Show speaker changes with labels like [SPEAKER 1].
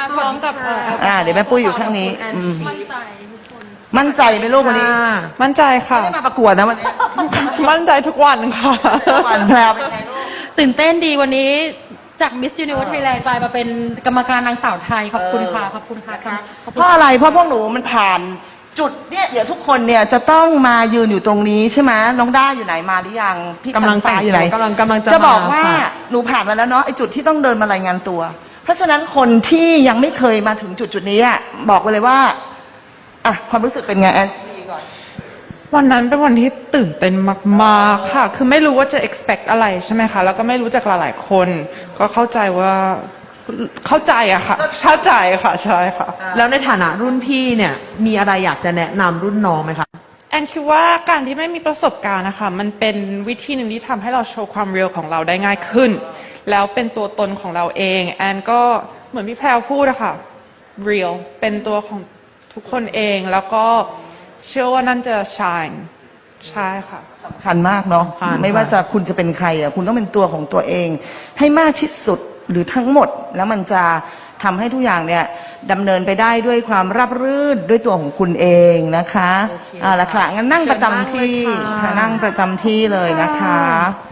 [SPEAKER 1] พร้อมกับ
[SPEAKER 2] เดี๋ยวแม่ปุ้ยอยู่ข้างนี้
[SPEAKER 1] มั่นใจทุกคน
[SPEAKER 2] มั่นใจไหมลูกวันนี้
[SPEAKER 3] มั่นใจค่ะ
[SPEAKER 2] ไม่ได้มาประกวดนะวันนี้
[SPEAKER 3] มั่นใจทุกวันค่ะ
[SPEAKER 2] หวานแพรวเป็นไงลูก
[SPEAKER 1] ตื่นเต้นดีวันนี้จาก Miss Universe Thailand กลายมาเป็นกรรมการนางสาวไทยขอบคุณค่ะขอบคุณค่ะขอบ
[SPEAKER 2] เพ
[SPEAKER 1] คุณ
[SPEAKER 2] ราะอะไรเพราะพวกหนูมันผ่านจุดเนี่ยเดี๋ยวทุกคนเนี่ยจะต้องมายืนอยู่ตรงนี้ใช่ไหมน้องด้าอยู่ไหนมาหรือยังพี่
[SPEAKER 3] กำลัง
[SPEAKER 2] ฟ้าอยู่ไหน
[SPEAKER 3] กำลังจะ
[SPEAKER 2] จะบอกว่า
[SPEAKER 3] มาค่ะ
[SPEAKER 2] หนูผ่านมาแล้วเนาะไอจุดที่ต้องเดินมารายงานตัว เพราะฉะนั้นคนที่ยังไม่เคยมาถึงจุดนี้อะบอกไปเลยว่าอ่ะความรู้สึกเป็นไงแอนซีก่อน
[SPEAKER 3] วันนั้นเป็นวันที่ตื่นเต้นมากๆค่ะ คือไม่รู้ว่าจะ expect อะไรใช่ไหมคะ แล้วก็ไม่รู้จักหลายๆคน ก็เข้าใจว่าเข้าใจอะค่ะเข้าใจค่ะใช่ค่ะ
[SPEAKER 4] แล้วในฐานะรุ่นพี่เนี่ยมีอะไรอยากจะแนะนำรุ่นน้องไหมคะ
[SPEAKER 3] แอนคิดว่าการที่ไม่มีประสบการณ์นะคะมันเป็นวิธีหนึ่งที่ทำให้เราโชว์ความเรียลของเราได้ง่ายขึ้น แล้วเป็นตัวตนของเราเองแอนก็เหมือนพี่แพรวพูดอะค่ะ real เป็นตัวของทุกคนเองแล้วก็เชื่อว่านั่นจะ shine ใช่ค่ะ
[SPEAKER 2] สำคัญมากเนาะ
[SPEAKER 4] สำคัญ
[SPEAKER 2] ไม่ว่าจะคุณจะเป็นใครอ่ะคุณต้องเป็นตัวของตัวเอง ให้มากที่สุดหรือทั้งหมด แล้วมันจะทำให้ทุกอย่างเนี่ยดำเนินไปได้ด้วยความราบรื่นด้วยตัวของคุณเองนะคะ
[SPEAKER 4] โอเค
[SPEAKER 2] ละค่ะงั้นนั่งประจำที่
[SPEAKER 4] เชิญนั่งเลยค่ะ
[SPEAKER 2] ค่ะนั่งประจำที่เลยนะคะ